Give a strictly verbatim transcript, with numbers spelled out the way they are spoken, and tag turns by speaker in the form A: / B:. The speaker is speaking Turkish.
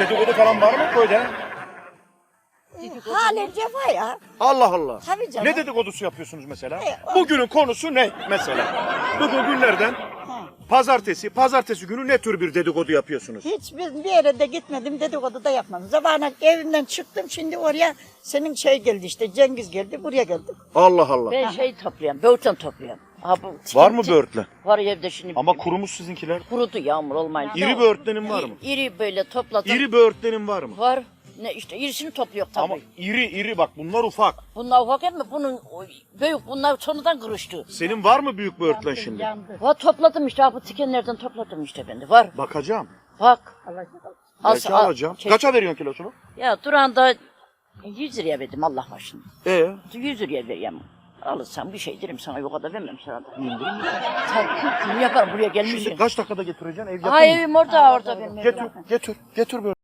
A: Dedikodu falan var mı köyde?
B: Halen cefa ya.
A: Allah Allah.
B: Tabii canım.
A: Ne dedikodusu yapıyorsunuz mesela?
B: E, o-
A: Bugünün konusu ne mesela? Bugün günlerden
B: Ha.
A: pazartesi, pazartesi günü ne tür bir dedikodu yapıyorsunuz?
B: Hiç bir bir yere de gitmedim, dedikodu da yapmadım. Zamanla evimden çıktım, şimdi oraya senin şey geldi işte, Cengiz geldi, buraya geldik.
A: Allah Allah.
C: Ben şey topluyorum, böğürtlen topluyorum. Ha, bu,
A: Var mı böğürtlen?
C: Var evde şimdi.
A: Ama kurumuş sizinkiler.
C: Kurudu yağmur olmayınca.
A: İri böğürtlenin var mı?
C: İri böyle topladım.
A: İri böğürtlenin var mı?
C: Var. Ne işte irisini topluyor tabii.
A: Ama iri iri bak bunlar ufak.
C: Bunlar ufak hem mi? Bunun o, büyük bunlar sonradan kırıştı.
A: Senin var mı büyük böğürtlen şimdi?
C: Var topladım işte ha, bu tikenlerden topladım işte ben de. Var.
A: Bakacağım.
C: Bak.
A: Belki
C: al-
A: alacağım.
C: çek-
A: Kaça veriyorsun kilosunu?
C: Ya duranda yüz liraya verdim Allah başını.
A: Ee?
C: yüz liraya vereyim. Alırsam bir şey derim sana, yok kadar vermem sana da. Tabii. Bunu yaparım buraya gelmişsin.
A: Şimdi kaç dakikada getireceksin? Ev yakın
C: Ay
A: mı?
C: evim orada orada benim.
A: Getir, getir, getir böyle.